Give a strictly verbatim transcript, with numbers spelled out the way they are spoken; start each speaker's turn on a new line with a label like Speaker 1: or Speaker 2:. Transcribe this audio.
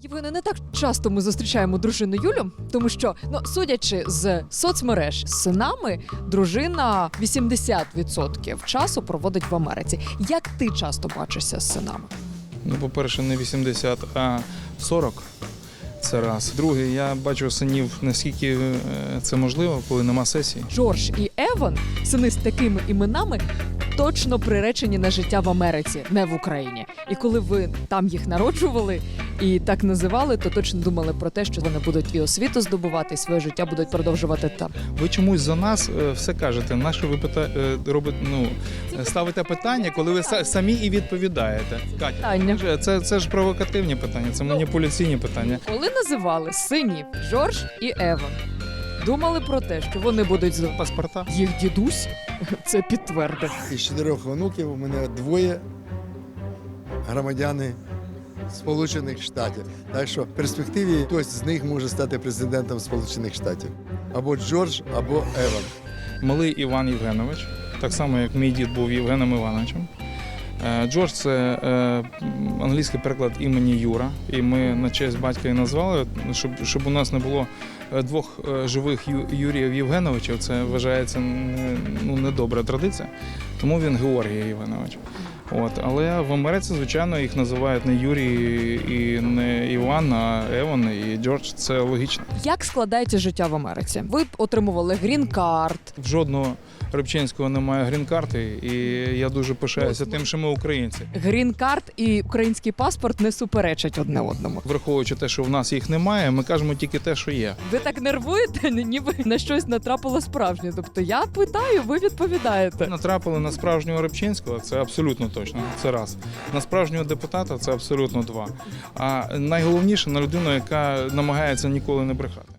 Speaker 1: Євгене, не так часто ми зустрічаємо дружину Юлю, тому що, ну, судячи з соцмереж, з синами, дружина вісімдесят відсотків часу проводить в Америці. Як ти часто бачишся з синами?
Speaker 2: Ну, по-перше, не вісімдесят, а сорок. Це раз. Друге, я бачу синів, наскільки е, це можливо, коли нема сесії.
Speaker 1: Джордж і Еван, сини з такими іменами, точно приречені на життя в Америці, не в Україні. І коли ви там їх народжували і так називали, то точно думали про те, що вони будуть і освіту здобувати, і своє життя будуть продовжувати там.
Speaker 2: Ви чомусь за нас е, все кажете. На що ви пита... е, робите, ну, ставите питання, коли ви са- самі і відповідаєте. Катя,
Speaker 1: Питання.
Speaker 2: це, це, це ж провокативні питання, це маніпуляційні питання.
Speaker 1: Коли називали синів Джордж і Еван, думали про те, що вони будуть з
Speaker 2: Паспорта.
Speaker 1: їх дідусь це підтвердив.
Speaker 3: Із чотирьох онуків у мене двоє громадяни Сполучених Штатів. Так що в перспективі хтось з них може стати президентом Сполучених Штатів. Або Джордж, або Еван.
Speaker 2: Малий Іван Євгенович, так само, як мій дід був Євгеном Івановичем. Е, Джордж – це е, англійський переклад імені Юра, і ми на честь батька і назвали, щоб, щоб у нас не було е, двох е, живих Ю, Юріїв Євгеновичів, це вважається не, ну, недобра традиція, тому він Георгій Євгенович. От, але в Америці, звичайно, їх називають не Юрій і не Іван, а Еван і Джордж, це логічно.
Speaker 1: Як складається життя в Америці? Ви отримували грін-карт.
Speaker 2: В жодного Рибчинського немає грін-карти, і я дуже пишаюся тим, що ми українці.
Speaker 1: Грін-карт і український паспорт не суперечать одне одному.
Speaker 2: Враховуючи те, що в нас їх немає, ми кажемо тільки те, що є.
Speaker 1: Ви так нервуєте, ніби на щось натрапило справжнє. Тобто я питаю, ви відповідаєте.
Speaker 2: Натрапили на справжнього Рибчинського, це абсолютно точно, це раз. На справжнього депутата це абсолютно два. А найголовніше на людину, яка намагається ніколи не брехати.